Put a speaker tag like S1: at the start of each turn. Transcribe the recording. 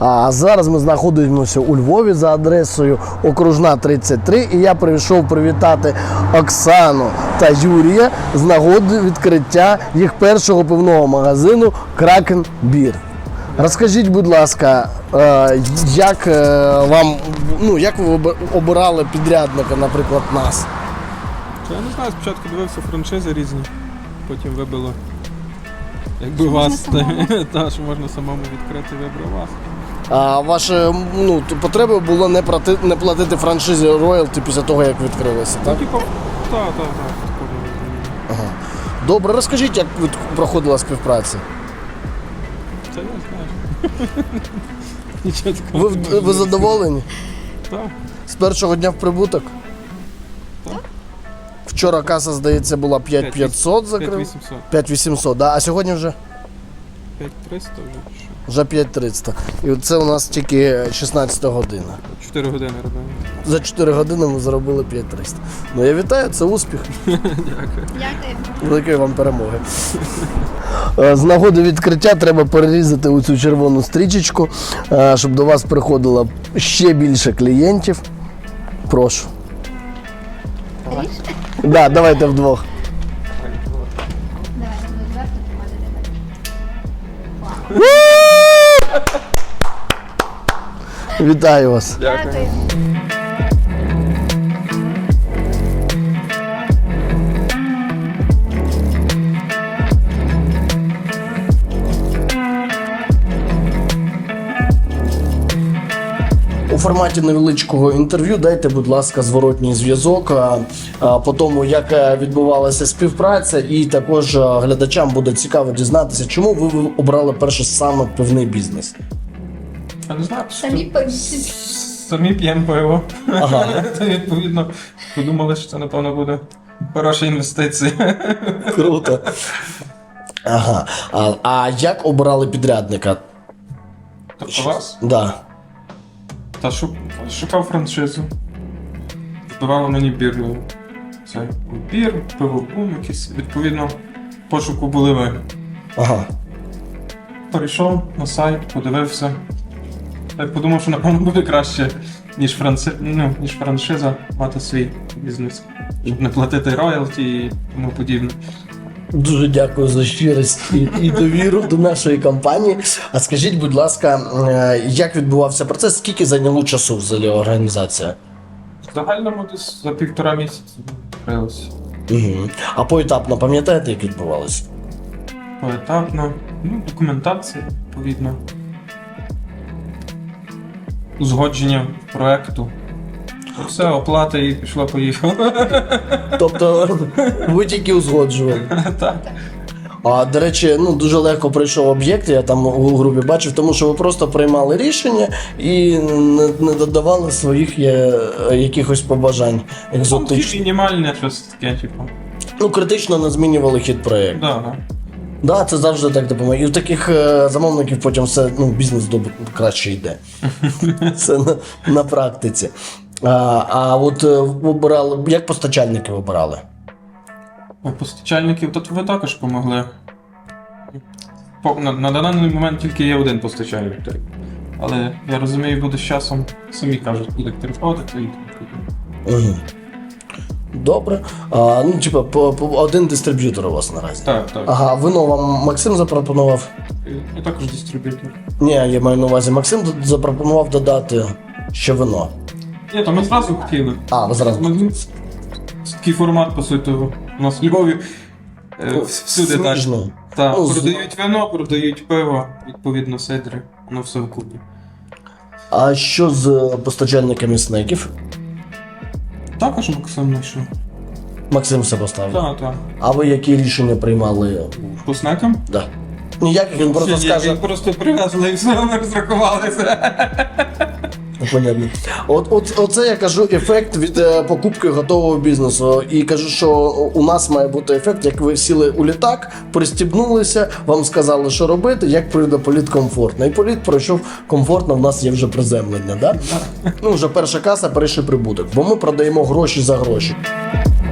S1: А зараз ми знаходимося у Львові за адресою Окружна 33, і я прийшов привітати Оксану та Юрія з нагоди відкриття їх першого пивного магазину Кракен Бір. Розкажіть, будь ласка, як як ви обирали підрядника, наприклад, нас?
S2: Я не знаю, спочатку дивився франшизи різні, потім вибило якби вас, та що можна самому відкрити, вибрав вас.
S1: А ваша потреба було не платити франшизі роялті після того, як відкрилися, так?
S2: Так.
S1: Ага. Добре, розкажіть, як проходила співпраця?
S2: Це я знаю. Нічого такого.
S1: Ви задоволені?
S2: Так.
S1: З першого дня в прибуток?
S2: Так.
S1: Вчора каса, здається, була 5500 закрив.
S2: 5800.
S1: 5800, да? А сьогодні вже?
S2: 5300 вже.
S1: Вже 5300. І це у нас тільки 16 година.
S2: 4 години робимо.
S1: За 4 години ми заробили 5300. Ну я вітаю, це успіх.
S2: Дякую.
S1: Великої вам перемоги. З нагоди відкриття треба перерізати оцю червону стрічечку, щоб до вас приходило ще більше клієнтів. Прошу. Да, давайте вдвох. Вітаю вас.
S2: Дякую.
S1: У форматі невеличкого інтерв'ю дайте, будь ласка, зворотній зв'язок по тому, як відбувалася співпраця, і також глядачам буде цікаво дізнатися, чому ви обрали перше саме пивний бізнес.
S2: Я не знаю.
S3: Самі
S2: п'ємо пиво.
S1: Ага.
S2: Це відповідно подумали, що це, напевно, буде хороша інвестиція.
S1: Круто. Ага. А як обирали підрядника?
S2: Тобто вас?
S1: Да.
S2: Та шукав франшизу. Вбивало мені бір. Це бір, пивобум якийсь. Відповідно, в пошуку були ви.
S1: Ага.
S2: Перейшов на сайт, подивився. Я подумав, що напевно буде краще, ніж франшиза, мати свій бізнес. Щоб не платити роялті і тому подібне.
S1: Дуже дякую за щирість і довіру до нашої компанії. А скажіть, будь ласка, як відбувався процес, скільки зайняло часу взагалі організація?
S2: В загальному десь за 1,5 місяця відкрилося.
S1: Угу. А поетапно пам'ятаєте, як відбувалося?
S2: Поетапно, документація, відповідно. Узгодження проекту. Все, оплата і пішло-поїхало.
S1: Тобто ви тільки узгоджували?
S2: Так.
S1: А, до речі, дуже легко пройшов об'єкт, я там у групі бачив, тому що ви просто приймали рішення і не додавали своїх якихось побажань екзотичних.
S2: Мінімальне щось таке, типу.
S1: Критично не змінювали хід проєкту.
S2: Так.
S1: Да, це завжди так допомагає. І у таких замовників потім все, бізнес краще йде. Це на практиці. А от обирали, як постачальники обирали?
S2: Постачальників, тут ви також допомогли. На даний момент тільки є один постачальник. Але я розумію, буде з часом, самі кажуть, буде переходити і
S1: Угу. Добре. Один дистриб'ютор у вас наразі.
S2: Так.
S1: Ага, вино вам Максим запропонував?
S2: Я також дистриб'ютор.
S1: Ні, я маю на увазі, Максим запропонував додати ще вино.
S2: Ні, то ми зразу хотіли.
S1: Ви зразу.
S2: Такий формат, по суті, у нас в Львові всюди так. Так, продають вино, продають пиво, відповідно сидри, воно все вкупі.
S1: А що з постачальниками снеків?
S2: Також Максим знайшов.
S1: Максим все поставив?
S2: Так.
S1: А ви які рішення приймали?
S2: По снекам?
S1: Да. Ніяких, він просто скаже...
S2: Він просто привезли і все, ми розрахувалися.
S1: Понятно. Оце я кажу ефект від покупки готового бізнесу. І кажу, що у нас має бути ефект, як ви сіли у літак, пристібнулися, вам сказали, що робити, як пройде політ комфортно. І політ пройшов комфортно, в нас є вже приземлення. Да? Вже перша каса, перший прибуток. Бо ми продаємо гроші за гроші.